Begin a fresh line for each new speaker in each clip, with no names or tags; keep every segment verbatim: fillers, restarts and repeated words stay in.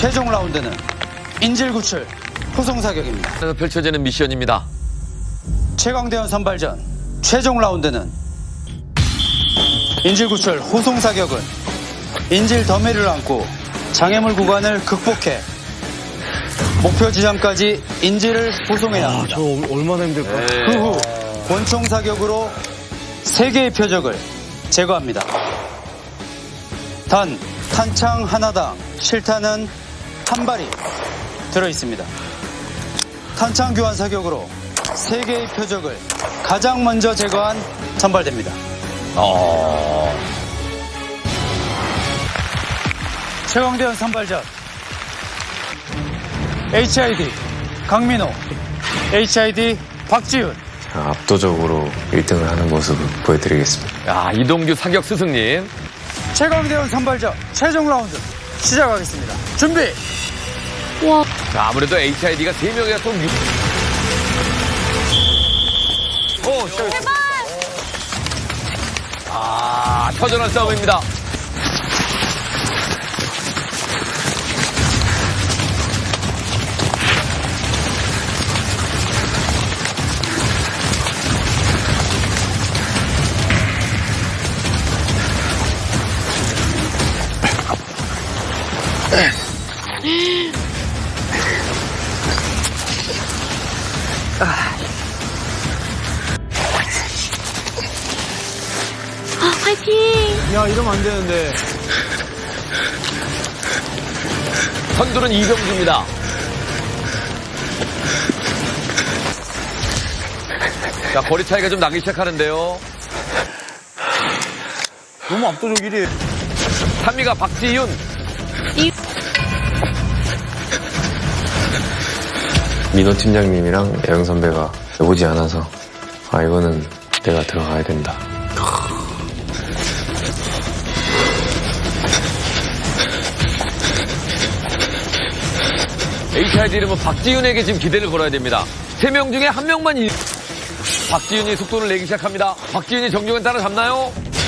최종 라운드는 인질구출 후송사격입니다.
펼쳐지는 미션입니다.
최강대원 선발전 최종 라운드는 인질구출 후송사격은 인질 더미를 안고 장애물 구간을 극복해 목표 지점까지 인질을 후송해야 합니다.
저 얼마나 힘들까?
네.
그 후 권총 사격으로 세 개의 표적을 제거합니다. 단 탄창 하나당 실탄은 한 발이 들어있습니다. 탄창 교환 사격으로 세 개의 표적을 가장 먼저 제거한 선발됩니다.
어...
최강대원 선발전 에이치아이디 강민호, 에이치아이디 박지훈.
압도적으로 일 등을 하는 모습을 보여드리겠습니다.
야, 이동규 사격 스승님.
최강대원 선발전 최종 라운드 시작하겠습니다. 준비.
와.
자, 아무래도 에이치아이디가 세 명이라 좀. 유... 오, 저...
제발.
아, 터전한 싸움입니다.
아, 파이팅.
야, 이러면 안 되는데.
선두는 이병주입니다. 자, 거리 차이가 좀 나기 시작하는데요.
너무 압도적 일 위에.
삼 위가 박지윤.
이...
민호 팀장님이랑 애영 선배가 오지 않아서 아 이거는 내가 들어가야 된다.
에이치아이디 이름은 박지윤에게 지금 기대를 걸어야 됩니다. 세 명 중에 한 명만 이... 박지윤이 속도를 내기 시작합니다. 박지윤이 정종현 따라잡나요?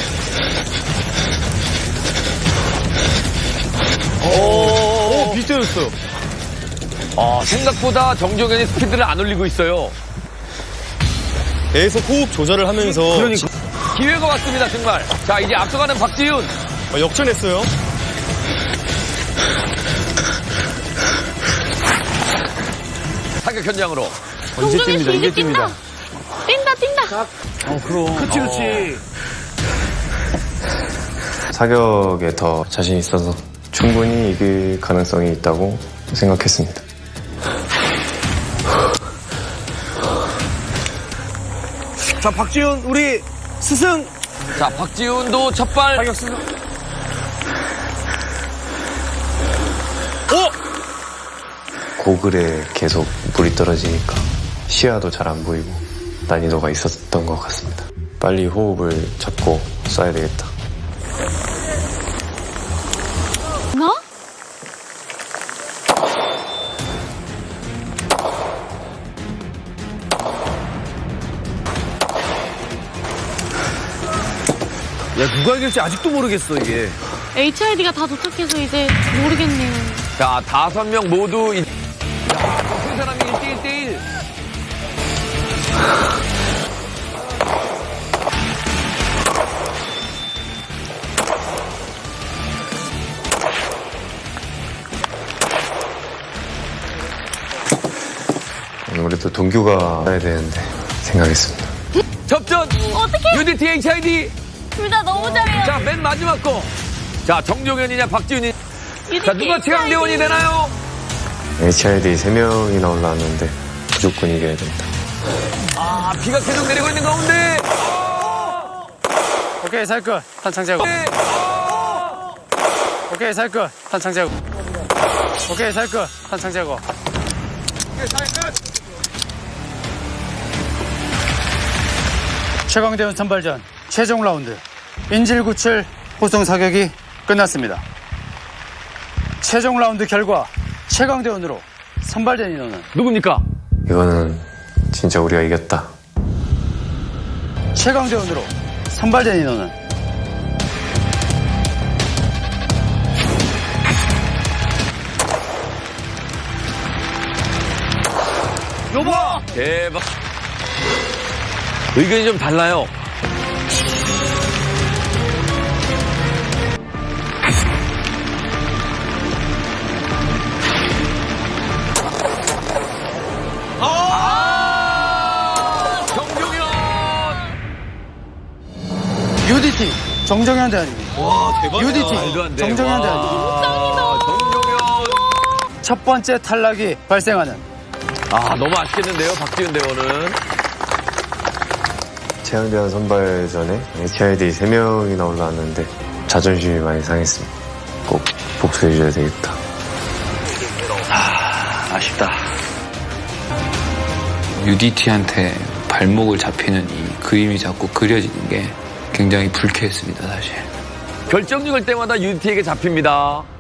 오, 비슷해졌어.
아, 생각보다 정종현이 스피드를 안 올리고 있어요.
계속 호흡 조절을 하면서. 그러니까.
기회가 왔습니다, 정말. 자, 이제 앞서가는 박지윤.
아, 역전했어요.
사격 현장으로.
어, 이제 뜁니다, 이제 뜁니다.
뛴다, 뛴다.
어, 그럼. 그치, 그치.
사격에 더 자신 있어서 충분히 이길 가능성이 있다고 생각했습니다.
자, 박지훈, 우리 스승.
자, 박지윤도 첫 발.
사격 스승. 오!
고글에 계속 물이 떨어지니까 시야도 잘 안 보이고 난이도가 있었던 것 같습니다. 빨리 호흡을 잡고 쏴야 되겠다.
나?
야, 누가 이길지 아직도 모르겠어, 이게.
에이치아이디가 다 도착해서 이제 모르겠네요.
자, 다섯 명 모두. 이... 자, 세 사람이 일 대 일 대 일.
우리도 동규가 해야 되는데 생각했습니다.
접전.
어떡해.
유디티 에이치아이디.
둘 다 너무 잘해요.
자, 맨 마지막 거. 자, 정종현이냐, 박지윤이. 자, 누가 최강대원이 되나요?
에이치아이디 세 명이나 올라왔는데 무조건 이겨야 된다.
아, 비가 계속 내리고 있는 가운데.
오케이, 살 것. 탄창 제거. 오케이, 살 것. 탄창 제거. 오케이, 살 것. 탄창 제거. 최강대원 선발전 최종 라운드 인질구출 후송 사격이 끝났습니다. 최종 라운드 결과 최강대원으로 선발된 인원은
누굽니까?
이거는 진짜 우리가 이겼다.
최강대원으로 선발된 인원은
우와!
대박. 의견이 좀 달라요. 아! 정종현!
유디티 정정현 대원입니다.
와, 대박이다.
유디티
말도 안 돼.
정정현
와.
대원입니다.
아, 정종현.
첫 번째 탈락이 발생하는
아, 너무 아쉽겠는데요, 박지훈 대원은.
최양대한 선발전에 에이치아이디 세 명이나 올라왔는데 자존심이 많이 상했습니다. 꼭 복수해줘야 되겠다.
아쉽다.
유디티한테 발목을 잡히는 이 그림이 자꾸 그려지는 게 굉장히 불쾌했습니다, 사실.
결정력을 때마다 유디티에게 잡힙니다.